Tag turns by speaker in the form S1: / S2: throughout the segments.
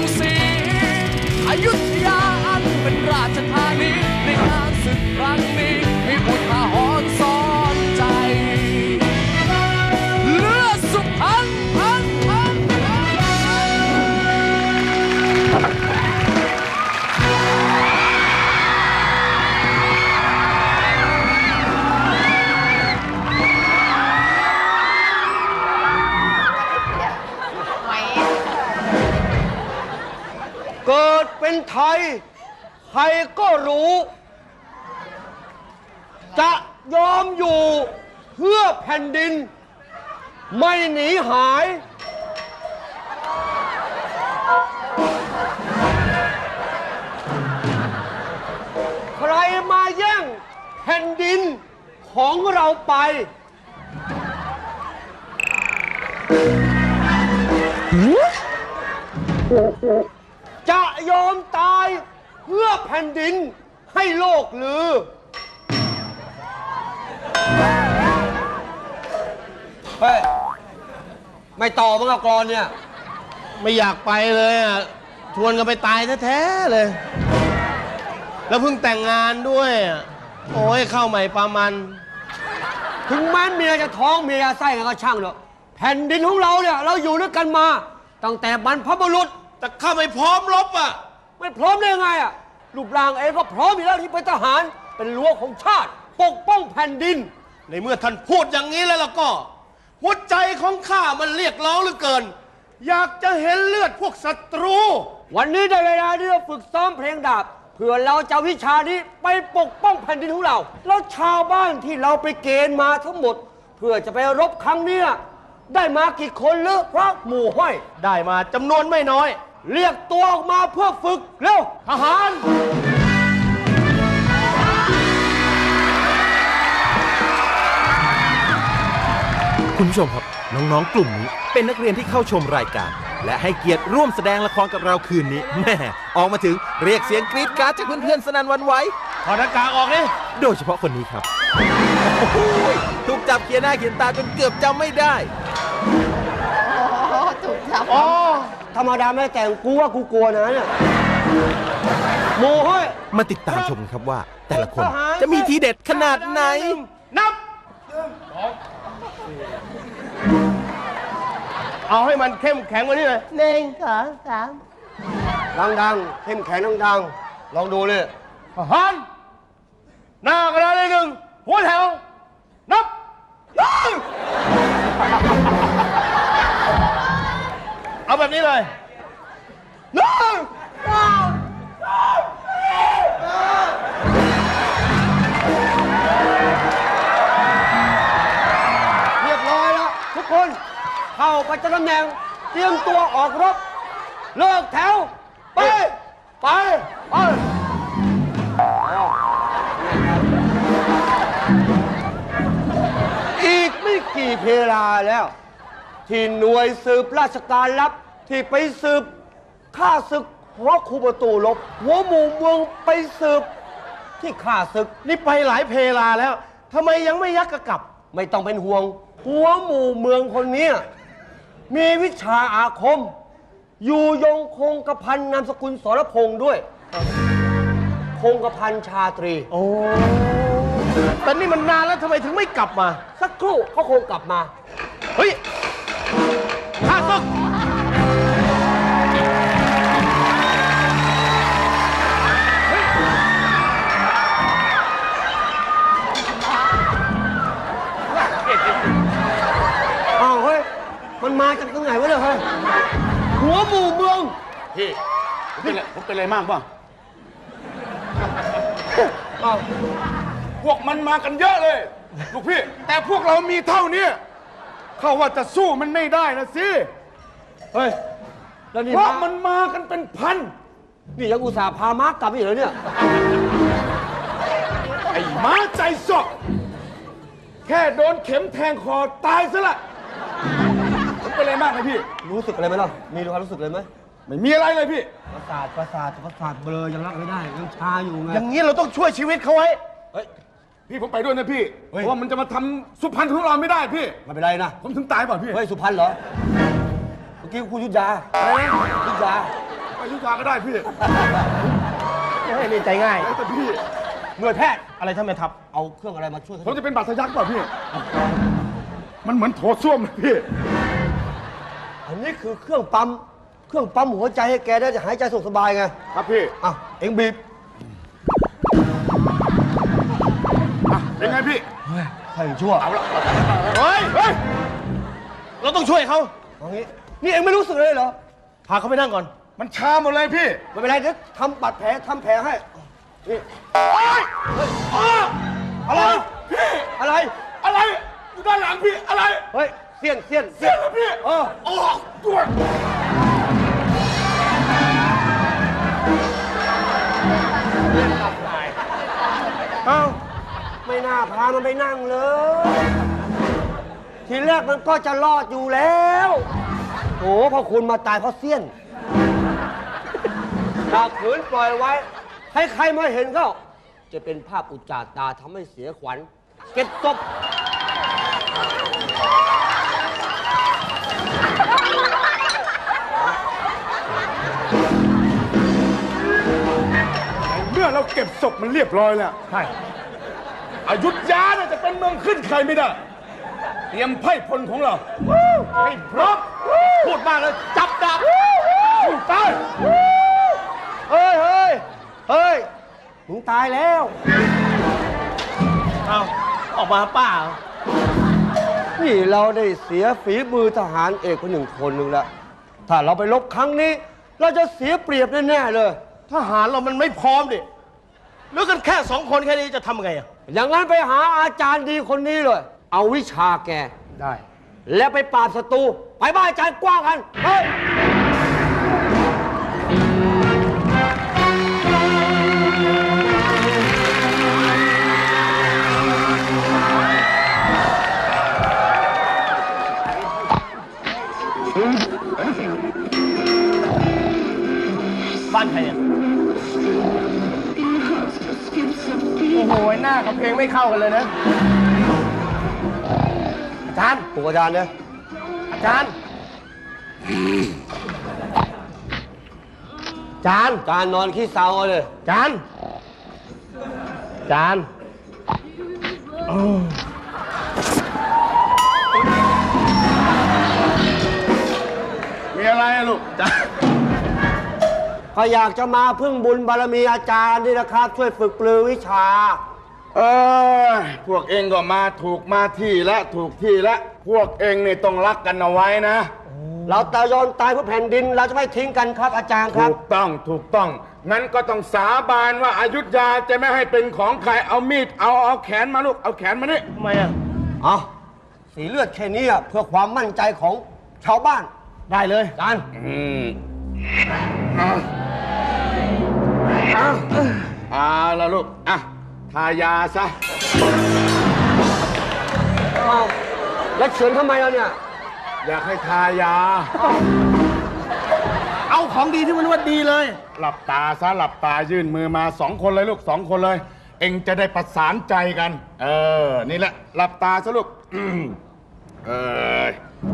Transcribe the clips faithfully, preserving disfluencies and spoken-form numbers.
S1: ศรีอยุธยาอันเป็นราชธานีในงานศึกครั้งนี้มีอุทาหรณ์สอนใจเลือดสุพรรณพันพัน
S2: เกิดเป็นไทยใครก็รู้จะยอมอยู่เพื่อแผ่นดินไม่หนีหายใครมาแย่งแผ่นดินของเราไปจะยอมตายเพื่อแผ่นดินให้โลกลือเฮ้ยไม่ต่อมั้งอะกรอนเนี่ย
S3: ไม่อยากไปเลยอ่ะชวนกันไปตายแท้ๆเลยแล้วเพิ่งแต่งงานด้วยอ่ะโอ้ยเข้าใหม่ปามัน
S2: ถึงแม้เมียจะท้องเมียไส้กันก็ช่างเถอะแผ่นดินของเราเนี่ยเราอยู่ด้วยกันมาตั้งแต่บรรพบุรุษ
S3: แต่ข้าไม่พร้อมรบอ่ะ
S2: ไม่พร้อมได้ยังไงอ่ะรูปร่างเองก็พร้อมอยู่แล้วที่เป็นทหารเป็นรั้วของชาติปกป้องแผ่นดิน
S3: ในเมื่อท่านพูดอย่างนี้แล้วล่ะก็หัวใจของข้ามันเรียกร้องเหลือเกินอยากจะเห็นเลือดพวกศัตรู
S2: วันนี้ได้เวลาที่เราฝึกซ้อมเพลงดาบเพื่อเราจะวิชานี้ไปปกป้องแผ่นดินของเราแล้วชาวบ้านที่เราไปเกณฑ์มาทั้งหมดเพื่อจะไปรบครั้งนี้ได้มากี่คนหรือพระหมู่ห้อย
S3: ได้มาจำนวนไม่น้อย
S2: เรียกตัวออกมาเพื่อฝึกเร็วทหาร
S4: คุณผู้ชมครับน้องๆกลุ่มนี้เป็นนักเรียนที่เข้าชมรายการและให้เกียรติร่วมแสดงละครกับเราคืนนี้แม่ออกมาถึงเรียกเสียงกรี๊ดกราดจากเพื่อนๆสนั่นหวั่นไหว
S3: ถอดหน้ากากออกนี่
S4: โดยเฉพาะคนนี้ครับถูกจับเขียนหน้าเขียนตาจนเกือบจำไม่ได้
S5: อ๋อถูกจับ
S2: อ๋อธรรมดาไม่แต่งกูว่ากูกลัวนะเนี่ยโมห้อย
S4: มาติดตามชมครับว่าแต่ละคนจะมีทีเด็ดขนาดไหน
S3: นับเอาให้มันเข้มแข็งกว่านี้เลย
S5: หนึ่งสองสาม
S2: ดังๆเข้มแข็งดังๆลองดูเลย
S3: ทหารหน้ากระดานเลยหนึ่งหัวแถวนับเอาแบบนี้เลยหนึ่ง
S2: เรียบร้อยแล้วทุกคนเข้าไปจัดตำแหน่งเตรียมตัวออกรบเลิกแถวไปไปไปอีกไม่กี่เพลาแล้วที่หน่วยสืบราชการลับที่ไปสืบฆ่าศึกเพราะคูประตูลบหัวหมู่เมืองไปสืบที่ฆ่าศึก
S3: นี่ไปหลายเพลาแล้วทำไมยังไม่ยักกระกลับ
S2: ไม่ต้องเป็นห่วงหัวหมู่เมืองคนนี้มีวิชาอาคมอยู่ยงคงกระพันนามสกุลสรพงษ์ด้วยคงกระพันชาตรี
S3: โอ้แต่นี่มันนานแล้วทำไมถึงไม่กลับมา
S2: สักครู่เขาคงกลับมา
S3: เฮ้ยข้าศึก
S2: อ้าวเฮ้ยมันมาจากตรงไหนวะเนี่ยเฮ้ยหัวหมู่เมือง
S3: พี่ผมเป็นอะไรผมเป็นอะไรมากป่ะ
S2: อ้าว
S3: พวกมันมากันเยอะเลยลูกพี่แต่พวกเรามีเท่านี้เขาว่าจะสู้มันไม่ได้นะสิ
S2: เฮ้ยแล้วนี่
S3: เพราะมันมากันเป็นพัน
S2: นี่ยังอุตส่าห์พาม้ากลับอีกเหรอเนี่ย
S3: ไอ้ม้าใจสอกแค่โดนเข็มแทงคอตายซะละผมเป็นอะไรมากไหมพี่
S2: รู้สึกอะไรไหมล่ะมีความรู้สึกอะไรไหม
S3: ไม่มีอะไรเลยพี่
S2: ประสาทประสาทประสาทเบลอยังรับไม่ได้ยังชาอยู่ไง
S3: อย่างนี้เราต้องช่วยชีวิตเขาไว้เฮ้ยพี่ผมไปด้วยนะพี่เพราะว่ามันจะมาทำสุพรรณของเราไม่ได้พี่
S2: ไม่เป็นไรนะ
S3: ผมถึงตายเปล่าพี่
S2: เฮ้ยสุพรรณเหรอเมื่อกี้คุณยุทธยาอะไรนะยุทธยา
S6: อยุธยาก็ได้พี่
S3: ให้นี่ใจง่าย
S6: แต่พี่
S3: หน่วยแพทย์อะไรท่านแม่ทัพ
S2: เอาเครื่องอะไรมาช่วย
S6: ผมจะเป็นบาดทะยักเปล่าพี่ มันเหมือนโถส้วมเลยพี่
S2: อันนี้คือเครื่องปั๊มเครื่องปั๊มหัวใจให้แกได้หายใจสุขสบายไง
S6: ครับพี่
S2: อ่ะเอ็งบีบ
S6: อ่ะเป็นไงพี่
S2: ใส่ชั่วเอาละ
S3: เฮ้ย
S6: เฮ้ย
S3: เราต้องช่วยเขา
S2: เอางี้นี่เอ็งไม่รู้สึกเลยเหรอ
S3: พาเขาไปนั่งก่อน
S6: มันชาหมดเลยพี่
S2: ไม่เป็นไรเดี๋ยวทำบาดแผลทำแผลให้นี่
S6: เฮ้ยอ้า
S2: อะไร
S6: พี่
S2: อะไร
S6: อะไรอยู่ด้านหลังพี่อะไร
S2: เฮ้ยเสี้ยนเสี้ยน
S6: เสียงเลยพี่
S2: เออ
S6: ออกด้วย
S2: เอ้าไม่น่าพามันไปนั่งเลย ทีแรกมันก็จะรอดอยู่แล้วโถพอคุณมาตายเพราะเสี้ยนถ้าขืนปล่อยไว้ ให้ใครมาเห็นก็จะเป็นภาพอุจจาตาทำให้เสียขวัญ เก็บศพ
S6: เมื่อเราเก็บศพมันเรียบร้อยแล้ว
S3: ใช่
S6: อยุธยาเนี่ยจะเป็นเมืองขึ้นใครไม่ได้ เตรียมไพ่พลของเราให้พร้อม
S3: พูดมากเลย จับดาบ
S6: สู้ตาย
S2: เฮ้ยเฮ้ยเฮ้ยมึงตายแล้ว
S3: เอาออกมาป้า
S2: นี่เราได้เสียฝีมือทหารเอกคนหนึ่งคนหนึ่งแล้ว ถ้าเราไปลบครั้งนี้ เราจะเสียเปรียบแน่ๆเลย
S3: ทหารเรามันไม่พร้อมดิเหลือกันแค่สองคนแค่นี้จะทำไงอ่ะ
S2: อย่างนั้นไปหาอาจารย์ดีคนนี้เลย เอาวิชาแก
S3: ได้
S2: แล้วไปปราบศัตรู ไปบ้านอาจารย์กว้างกัน เฮ้ย
S3: บ้านใครเนี่ยโอ้โห หน้ากับเพลงไม่เข้ากันเลยนะ อาจารย์
S2: ปลุกอาจารย์เนี่ย
S3: อาจารย์ อาจารย์
S2: อาจารย์นอนขี้เศร้าเลย
S3: อาจารย์ อาจารย์
S6: มีอะไรอะลูก
S3: อาจารย์
S2: ก็อยากจะมาพึ่งบุญบารมีอาจารย์นี่นะครับ ช่วยฝึกปลือวิชา
S6: เออพวกเองก็มาถูกมาที่และถูกที่และพวกเองนี่ต้องรักกันเอาไว้นะ
S2: เราตายอนตายเพื่อแผ่นดิน เราจะไม่ทิ้งกันครับอาจารย์ครับ
S6: ถูกต้องถูกต้องงั้นก็ต้องสาบานว่าอยุธยาจะไม่ให้เป็นของใครเอามีดเอาเอาแขนมาลูกเอาแขนมานี่
S3: ทำไมอ่ะ
S2: เอาสีเลือดแค่นี้อะเพื่อความมั่นใจของชาวบ้าน
S3: ได้เลย
S2: อาจารย์
S6: อืมเอาเอาเอาละลูกอ่ะทายาซะ
S2: เอาแล้วเฉือนทำไมเราเนี่ย
S6: อยากให้ทายา
S3: เอาของดีที่มันว่าดีเลย
S6: หลับตาซะหลับตายื่นมือมาสองคนเลยลูกสองคนเลย เองจะได้ประสานใจกัน เออ นี่แหละ หลับตาซะลูกอืมเออ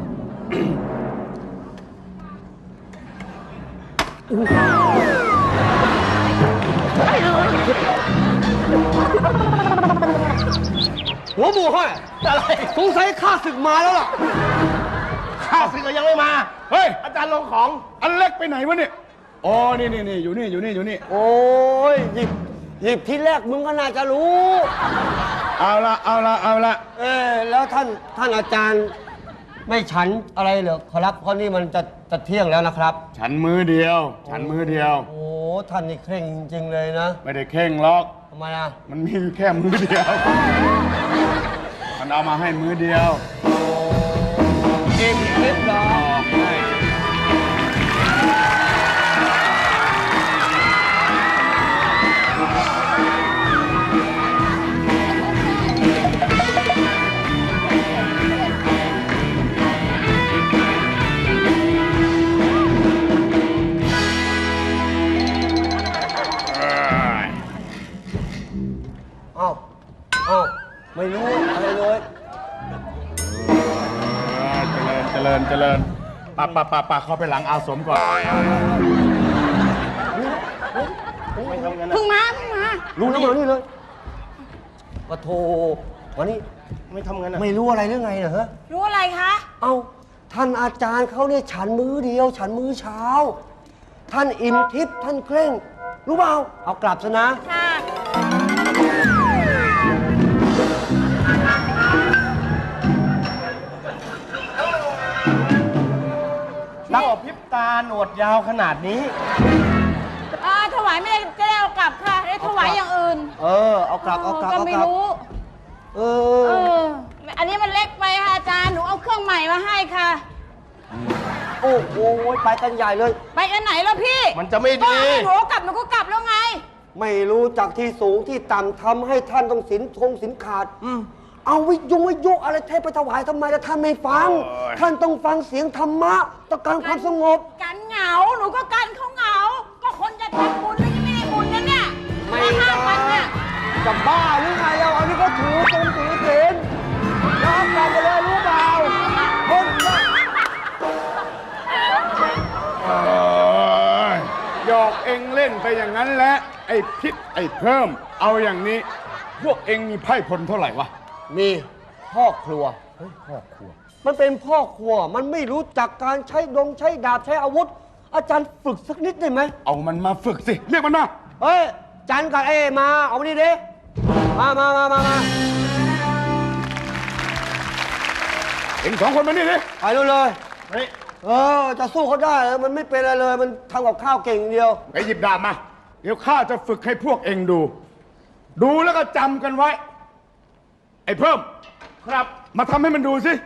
S2: หัวหมูห้อย
S3: อะไร
S2: สงสัยข้าศึกมาแล้วล่ะ
S3: ข้าศึกก็ยังไม่มา
S6: เฮ้ย
S3: อาจารย์ลงของ
S6: อันเล็กไปไหนวะเนี่ยอ๋อนี่นี่นี่อยู่นี่อยู่นี่อยู่นี่
S2: โอ้ยหยิบหยิบที่แรกมึงก็น่าจะรู้
S6: เอาละเอาละเอาละ
S2: เออแล้วท่านท่านอาจารย์ไม่ฉันอะไรเหรอครับเพราะนี่มันจะจะเที่ยงแล้วนะครับ
S6: ฉันมือเดียว ฉันมือเดียว
S2: โอ้ท่านนี่เคร่งจริงๆเลยนะ
S6: ไม่ได้เข่งหรอก
S2: ทำไมอ่ะ
S6: มันมีอยู่แค่มือเดียว มันเอามาให้มือเดียว
S2: เองเคล็ดเหรอ เอ้าเอ้าไม่รู้อะไรเลย
S6: เจริญเจริญเจริญปะปะปะปะเข้าไปหลังอาสมก่อน
S2: รู้แล้วมานี่เลยปะโทวันนี้
S3: ไม่ทำงั้นอ่ะ
S2: ไม่รู้อะไรเรื่องไงนะฮะ
S5: รู้อะไรคะ
S2: เอ้าท่านอาจารย์เขาเนี่ยฉันมื้อเดียว ฉันมื้อเช้า ท่านอิ่มทิพย์ท่านเคร่ง รู้เปล่าเอากลับซะนะ
S5: ค่ะ
S3: รักพริบตาหนวดยาวขนาดนี้
S5: อ่าถวายไม่ได้จะได้เอากลับค่ะ ได้ถวายอย่างอื่น
S2: เออเอากลับเอากลับ
S5: ก็
S2: เอา
S5: ไม่
S2: กลับ
S5: รู้
S2: เอ
S5: เอ
S2: อ
S5: อ อันนี้มันเล็กไปค่ะอาจารย์ หนูเอาเครื่องใหม่มาให้ค่ะ
S2: โอ้โหไปกันใหญ่เลย
S5: ไปอันไหนแล้วพี่
S3: มันจะไม่
S5: ก็
S3: ดี
S5: ให้หนูกลับหนูก็กลับแล้วไง
S2: ไม่รู้จากที่สูงที่ต่ำทำให้ท่านต้องสินทงสินขาด เอาวิทยุวิทยุอะไรเทพไปถวายทำไมล่ะท่านไม่ฟัง ท่านต้องฟังเสียงธรรมะต้องการความสงบ
S5: กันเหงา หนูก็กันเขาเหงา ก็คนจะทำบุญแล้วยังไม่ได้บุญนั่นเนี่ย
S2: ไม่
S5: ห้า
S2: ได้
S5: พันเนี่ย
S2: จะบ้าหรือไงเราอันนี้ก็ถือตรงถือศีลน้องกันไปเลยรู้เปล่าคนละ
S6: เอ้ยหยอกเองเล่นไปอย่างนั้นแหละไอ้พิษไอ้เพิ่ม เอาอย่างนี้ พวกเองมีไพ่พลเท่าไหร่วะ
S2: มีพ่อครัวเฮ้ยพ่อครัว มันเป็นพ่อครัว มันไม่รู้จักการใช้ดงใช้ดาบใช้อาวุธ อาจารย์ฝึกสักนิดได้ไหม
S6: เอามันมาฝึกสิ เรียกมันมา
S2: เฮ้ย จันกับเอมา เอามานี่ดิมามามามามา
S6: เองสองคนมานี่ดิ
S2: ไปดูเลย
S3: เฮ้ย
S2: เออ จะสู้เขาได้เหรอมันไม่เป็นอะไรเลย มันทำกับข้าวเก่งอย่างเดียว
S6: ไปหยิบดาบมา เดี๋ยวข้าจะฝึกให้พวกเองดู ดูแล้วก็จำกันไว้ ไอ้เพิ่ม ครับ มาทำให้มันดูสิ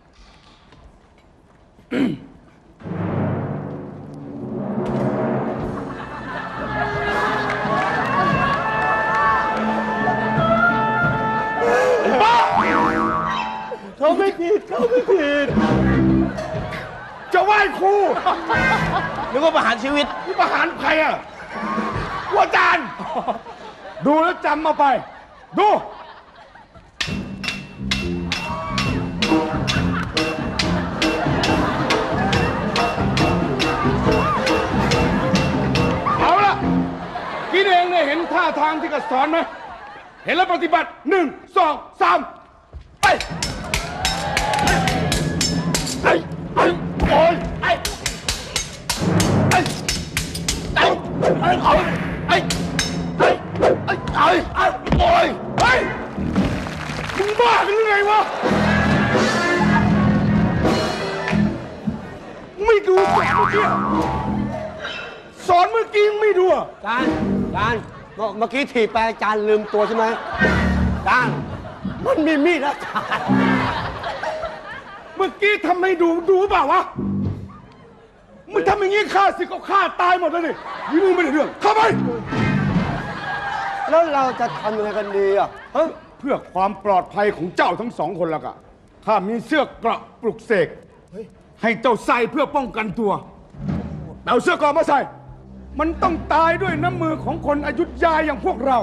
S2: เขาไม่ผิดเขาไม่ผิด
S6: จะไหว้ครู
S3: นึกว่าประหารชีวิต
S6: นี่ประหารใครอ่ะว่าจารย์ ดูแล้วจำมาไป ดู เอาล่ะกินเองเนี่ยเห็นท่าทางที่กระสอนไหม เห็นแล้วปฏิบัติหนึ่งสองสามไปไอ้ไอ้โอ้ยไอ้ไอ้ไอ้ไอ้ไอ้ไอ้ไอ้ไอ้ไอ้ไอ้โอ้ยเฮ้ยมึงบ้ากันหรือไงวะไม่ดูสอนเมื่อกี้สอนเมื่อกี้ไม่ดูอ่ะ
S2: จานจานเมื่อเมื่อกี้ถีบไปอาจารย์ลืมตัวใช่ไหมจานมันมีมีดแล้วจาน
S6: เมื่อกี้ทำให้ดูดูเปล่าวะมึงทำอย่างนี้ฆ่าสิก็ฆ่าตายหมดแล้วนี่ยี่มึงไม่ได้เรื่องเข้าไป
S2: แล้วเราจะทำยังไงกันดีอ่ะฮะ
S6: เพื่อความปลอดภัยของเจ้าทั้งสองคนแล้วก็ข้ามีเสื้อเกราะปลุกเสกให้เจ้าใส่เพื่อป้องกันตัวเอาเสื้อเกราะมาใส่ มันต้องตายด้วยน้ำมือของคนอยุธยาอย่างพวกเรา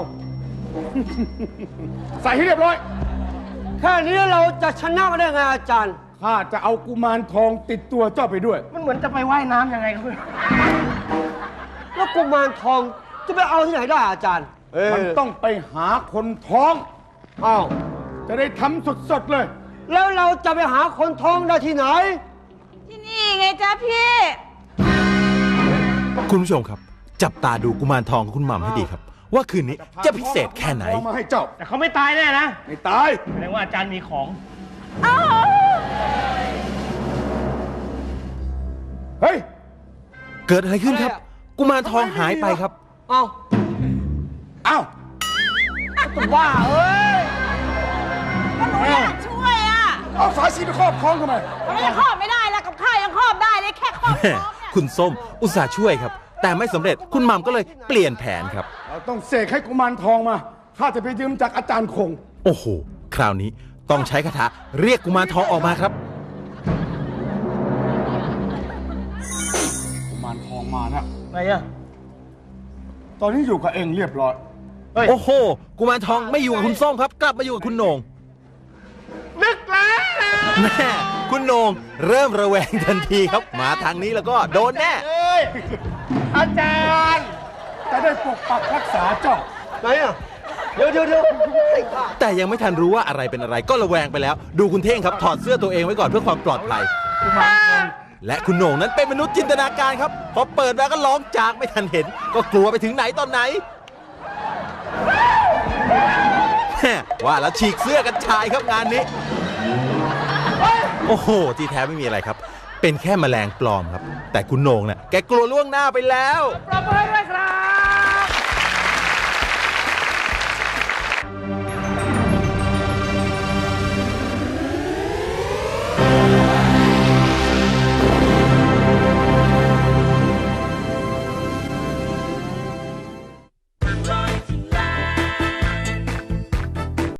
S6: ใส่ให้เรียบร้อย
S2: แค่นี้เราจะชนะมาได้ไงอาจารย์
S6: ข้าจะเอากุมารทองติดตัวเจ้าไปด้วย
S3: มันเหมือนจะไปว่ายน้ำยังไงครับ
S2: แล้วกุมารทองจะไปเอาที่ไหนได้อาจารย์เ
S6: มันต้องไปหาคนท้อง
S2: อ้าว
S6: จะได้ทำสดๆเลย
S2: แล้วเราจะไปหาคนท้องได้ที่ไหน
S5: ที่นี่ไงจ๊ะพี่
S4: คุณผู้ชมครับ จับตาดูกุมารทองของคุณหม่ำให้ดีครับ ว่าคืนนี้จะพิเศษแค่ไหน
S6: เอามาให้เจ้า
S3: แต่เขาไม่ตายแน่นะ
S6: ไม่ตาย
S3: แสดงว่าอาจารย์มีของ
S6: เฮ้ย
S4: เกิดอะไรขึ้นครับ กุมารทองหายไปครับ
S2: เอ้า
S6: เอ้า
S2: ตัวบ้าเอ้ย
S5: ก็หนูอยากช่วยอ่ะ
S6: เอาสายสีไปครอบคล้องทำไม
S5: ทำไมยังครอบไม่ได้ล่ะกับข้าวยังครอบได้เลยแค่ครอบ
S4: แม่
S5: ท้องเนี่ย
S4: คุณส้มอุตส่าห์ช่วยครับ แต่ไม่สำเร็จคุณหม่ำก็เลยเปลี่ยนแผนครับ
S6: เราต้องเสกให้กุมารทองมา ข้าจะไปยืมจากอาจารย์คง
S4: โอ้โห คราวนี้ต้องใช้คาถาเรียกกุมารทองออกมาครับ
S6: กุมารทองมาแล้ว
S3: ไงอะ
S6: ตอนนี้อยู่กับเองเรียบร้อย
S3: เฮ้ย
S4: โอ้โห กุมารทองไม่อยู่กับคุณส้มครับ กลับมาอยู่กับคุณโหน่ง
S6: นึกแล้ว
S4: แม่คุณโหน่งเริ่มระแวงทันทีครับ มาทางนี้แล้วก็โดนแน่
S6: เอ้ย อาจารย์ จะได้ปกปักรักษาเจ้า
S2: ไหนอ่ะเดี๋ยวเดี๋ยวเดี๋ยวให้ข้า
S4: แต่ยังไม่ทันรู้ว่าอะไรเป็นอะไรก็ระแวงไปแล้ว ดูคุณเท่งครับถอดเสื้อตัวเองไว้ก่อนเพื่อความปลอดภัย และคุณโหน่งนั้นเป็นมนุษย์จินตนาการครับพอเปิดมาก็ร้องจากไม่ทันเห็น ก็กลัวไปถึงไหนตอนไหนแม่ว่าแล้วฉีกเสื้อกันชายครับงานนี้ โอ้โหที่แท้ไม่มีอะไรครับ เป็นแค่แมลงปลอมครับ แต่คุณโหน่งเนี่ยแกกลัวล่วงหน้าไปแล้ว
S1: ปรบมือด้วยครับ